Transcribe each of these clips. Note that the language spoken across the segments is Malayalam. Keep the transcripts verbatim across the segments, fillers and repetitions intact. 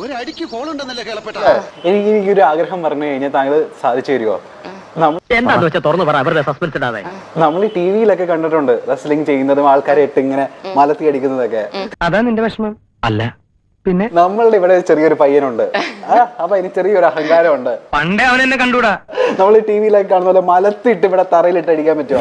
ഒരടിക്ക് കോളുണ്ടെന്നല്ലേ കേളപ്പെട്ട. എനിക്ക് എനിക്കൊരു ആഗ്രഹം പറഞ്ഞു കഴിഞ്ഞാൽ താങ്കൾ സാധിച്ചു തരുമോ? എന്താന്ന് വെച്ചാൽ തുറന്നു പറ, അവരുടെ സസ്പെൻസ് ഇടാതെ. നമ്മൾ ഈ ടി വിയിലൊക്കെ കണ്ടിട്ടുണ്ട് റെസ്ലിംഗ് ചെയ്യുന്നതും ആൾക്കാരെ ഇട്ട് ഇങ്ങനെ മലത്തി അടിക്കുന്നതൊക്കെ. അതാ നിന്റെ വിഷമം? അല്ല പിന്നെ നമ്മളുടെ ഇവിടെ ചെറിയൊരു പയ്യനുണ്ട്, അപ്പൊ അതിന് ചെറിയൊരു അഹങ്കാരമുണ്ട്. പണ്ടേ അവൻ എന്നെ കണ്ടൂടാ. നമ്മൾ ഈ ടി വിയിലൊക്കെ കാണുന്ന പോലെ മലത്തിട്ട് ഇവിടെ തറയിലിട്ട് അടിക്കാൻ പറ്റുമോ?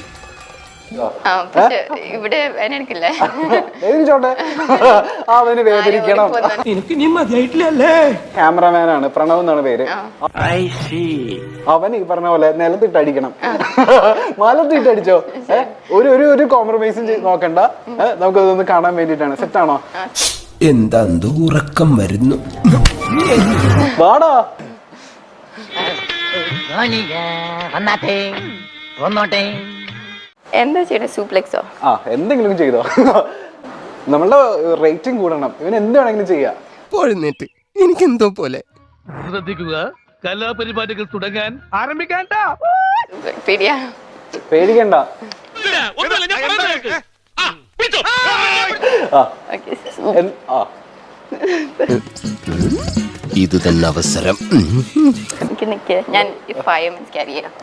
ഇവിടെ ചോട്ടെ, അവന് വേദനിക്കണം. ക്യാമറമാനാണ്, പ്രണവ് എന്നാണ് പേര്. അവൻ ഈ പറഞ്ഞ പോലെ നിലത്തിട്ട് അടിക്കണം. മലത്തിട്ട് അടിച്ചോ? ഒരു ഒരു ഒരു കോംപ്രമൈസും നോക്കണ്ട, നമുക്കതൊന്ന് കാണാൻ വേണ്ടിട്ടാണ്. സെറ്റാണോ? എന്താ ഉറക്കം വരുന്നു. വാടാ എന്താ ചെയ്യണേ? സൂപ്ലെക്സോ? ആ എന്തെങ്കിലും ചെയ്തോ, നമ്മളുടെ റേറ്റിംഗ് കൂടണം. ഇവൻ എന്ത് വേണമെങ്കിലും ചെയ്യാം. പോഴുന്നേറ്റ് എനിക്കെന്തോ പോലെ. ശ്രദ്ധിക്കുക, കലാപരിപാടികൾ തുടങ്ങാൻ ആരംഭിക്കാൻ. പേടിയാ? പേടിക്കണ്ട. ഇത് തന്നെ അവസരം. ഞാൻ ഫൈവ് മിനിറ്റ്സ് ക്യാരി ചെയ്യാം.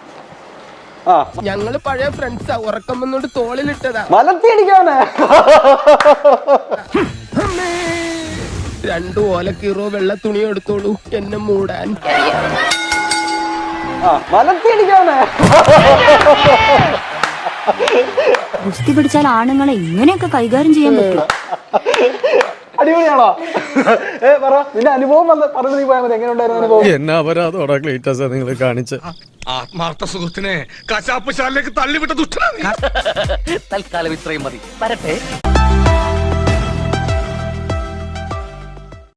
ഞങ്ങള് പഴയ ഫ്രണ്ട്സാ, ഉറക്കം വന്നോണ്ട് തോളിലിട്ടതാ. മലത്തി അടിക്കാണ്. രണ്ടു ഓലക്കീറോ വെള്ള തുണി എടുത്തോളൂ എന്നെ മൂടാൻ. മലത്തി അടിക്കാണ്. ഗുസ്തി പിടിച്ചാൽ ആണുങ്ങളെ ഇങ്ങനെയൊക്കെ കൈകാര്യം ചെയ്യാൻ പറ്റും. അടിപൊളിയാണോ? ഏ പറ, നിന്റെ അനുഭവം വന്ന് പറഞ്ഞു നീ പോയാൽ മതി. എങ്ങനെ ഉണ്ടായിരുന്നു അനുഭവം? എന്നാ അപരാധോടാ ക്ലീറ്റസ് നിങ്ങൾ കാണിച്ച്. ആത്മാർത്ഥ സുഹൃത്തിനെ കശാപ്പ് ശാലയിലേക്ക് തള്ളിവിട്ട ദുഷ്ടനാണ്. തൽക്കാലം ഇത്രയും മതി. വരട്ടെ.